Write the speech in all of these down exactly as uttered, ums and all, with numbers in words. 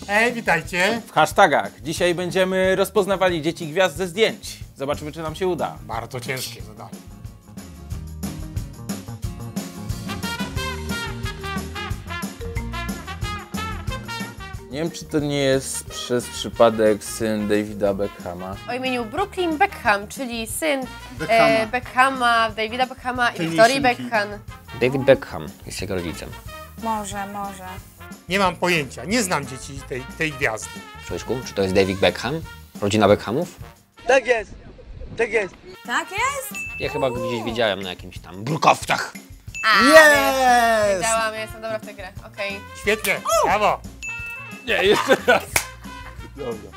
Hej, witajcie. W hashtagach. Dzisiaj będziemy rozpoznawali dzieci gwiazd ze zdjęć. Zobaczymy, czy nam się uda. Bardzo ciężkie zadanie. Nie wiem, czy to nie jest przez przypadek syn Davida Beckhama. O imieniu Brooklyn Beckham, czyli syn Beckhama, e, Beckhama Davida Beckhama i Tej Victorii Lisinki. Beckham. David Beckham jest jego rodzicem. Może, może. Nie mam pojęcia, nie znam dzieci tej, tej gwiazdy. Człowieczku, czy to jest David Beckham? Rodzina Beckhamów? Tak jest! Tak jest! Tak jest? Ja chyba go gdzieś widziałem na jakimś tam brukowcach. A, Jest! wiedziałam, ja jestem dobra w tę grę, okej. Świetnie, brawo. Nie, jeszcze raz. Dobra.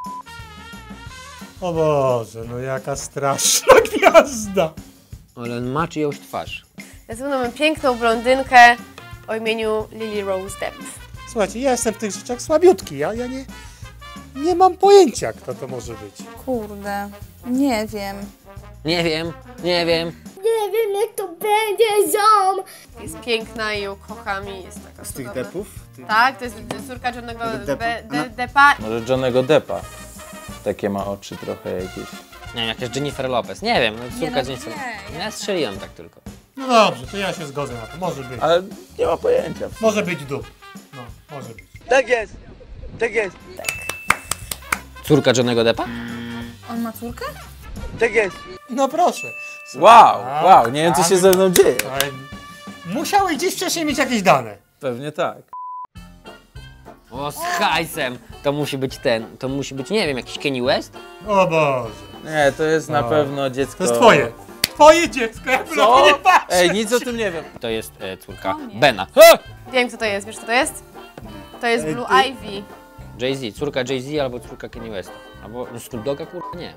O Boże, no jaka straszna gwiazda. Ale on ma czyjąś twarz. Ja ze mną mam piękną blondynkę o imieniu Lily Rose Depp. Słuchajcie, ja jestem w tych rzeczach słabiutki, ja, ja nie, nie mam pojęcia, kto to może być. Kurde, nie wiem. Nie wiem, nie wiem. Nie wiem, jak to będzie, ziom! Jest piękna i ją kocham i jest taka Z tych cudowna. depów? Ty... Tak, to jest córka Johnnego Deppa. Be- Ona- De- Deppa. Może Johnnego Deppa. Takie ma oczy trochę jakieś. Nie wiem, jakaś Jennifer Lopez. Nie wiem, no, córka no, Jennifer. nie, Ja strzeliłem tak tylko. No dobrze, to ja się zgodzę na to, może być. Ale nie ma pojęcia. Może być dup. No, może być. Tak jest! Tak jest! Córka Johnnego Deppa? On ma córkę? Tak jest! No proszę. Wow, wow, nie wiem, co się ze mną dzieje. Ale musiały gdzieś wcześniej mieć jakieś dane. Pewnie tak. O, z hajsem! To musi być ten, to musi być, nie wiem, jakiś Kanye West? O Boże. Nie, to jest na O. pewno dziecko... To jest twoje. Twoje dziecko, ja bym na to Co? nie patrzę. Ej, nic o tym nie wiem. To jest e, córka O nie. Bena. Ha! Wiem, kto to jest, wiesz, kto to jest? To jest Ej, Blue ty- Ivy. Jay-Z, córka Jay-Z albo córka Kanye Westa. Albo no, Snoop Dogga, kurwa, nie.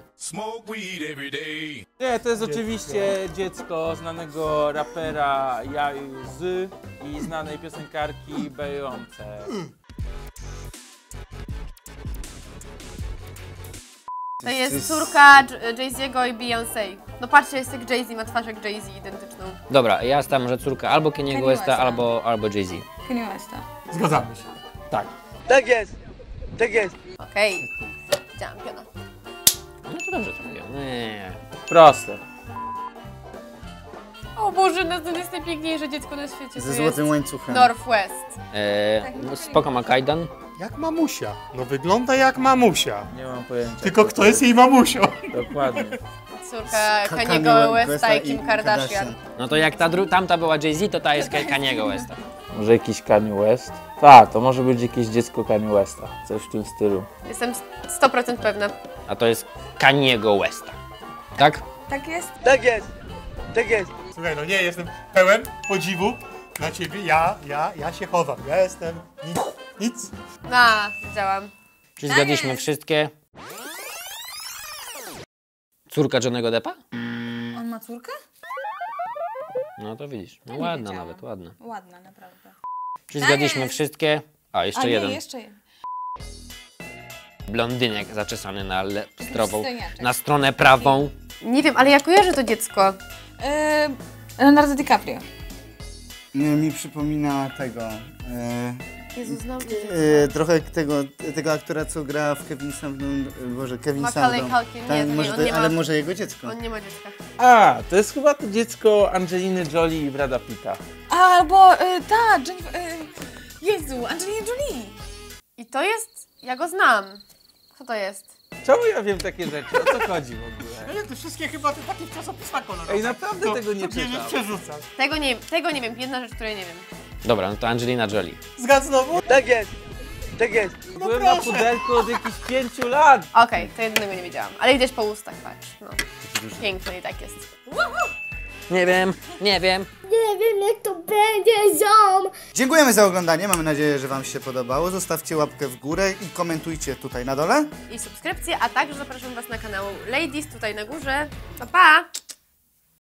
Nie, to jest oczywiście dziecko znanego rapera Jay-Z i znanej piosenkarki Beyoncé. To jest córka J- Jay-Z'ego i Beyoncé. No patrzcie, jest jak Jay-Z, ma twarz jak Jay-Z, identyczną. Dobra, ja stawiam, że córka albo Kaniego Kanye Westa, Westa. albo, albo Jay-Z. Kanye Westa. Zgadzamy się. Tak. Tak jest! Tak jest! Okej. Widziałam piona. No to dobrze trafiłem. Nie. Proste. O Boże, no to jest najpiękniejsze dziecko na świecie. Ze to złotym jest łańcuchem. Northwest. E, no, spoko ma kajdan. Jak mamusia. No wygląda jak mamusia. Nie mam pojęcia. Tylko kto jest jej mamusią? Dokładnie. Córka Ka- Kaniego Kanye Westa Westa i Kim Kardashian. No to jak ta dru- tamta była Jay-Z, to ta jest Ka- Kaniego Westa. Może jakiś Kanye West? Tak, to może być jakieś dziecko Kanye Westa. Coś w tym stylu. Jestem sto procent pewna. A to jest Kaniego Westa. Tak? Tak jest? Tak jest! Tak jest! Słuchaj, no nie, jestem pełen podziwu na ciebie. Ja, ja, ja się chowam. Ja jestem nic. Nic. A, widziałam. Czy zgadliśmy wszystkie? Córka Johnnego Deppa? On ma córkę? No to widzisz. No Nie ładna wiedziałam. nawet, ładna. Ładna, naprawdę. Czy zgadliśmy wszystkie? A, jeszcze A nie, jeden. jeszcze jeden. Blondynek zaczesany na le- strową, Przystojniaczek. na stronę prawą. Nie wiem, ale ja kojarzę to dziecko. Yy, Leonardo DiCaprio. Nie, mi przypomina tego. E, Jezu, znam to dziecko. e, trochę tego, tego aktora, co gra w Kevin Sandon. Boże, Kevin Macaulay Sandon. Culkin. Nie, Tak, to nie, może on to, nie ma- ale może jego dziecko. On nie ma dziecka. A, to jest chyba to dziecko Angeliny Jolie i Brada Pitta. Albo y, ta, Jennifer, y, Jezu, Angelina Jolie. I to jest... Ja go znam. Kto to jest? Czemu ja wiem takie rzeczy? O co chodzi w ogóle? Ale to wszystkie chyba te takie w czasopismach kolorowe. Ej, naprawdę tego nie to bierzesz, czytam. przerzucasz. Tego nie, tego nie wiem. Jedna rzecz, której nie wiem. Dobra, no to Angelina Jolie. Zgadz znowu? Tak jest! Tak jest! Byłem na proszę. pudelku od jakichś pięciu lat. Okej, to jednego nie wiedziałam. Ale widać po ustach, patrz. No. Piękny i tak jest. Nie wiem, nie wiem. Nie wiem, jak to będzie, ziom! Dziękujemy za oglądanie. Mamy nadzieję, że wam się podobało. Zostawcie łapkę w górę i komentujcie tutaj na dole. I subskrypcje, a także zapraszam was na kanał Ladies tutaj na górze. Pa, pa!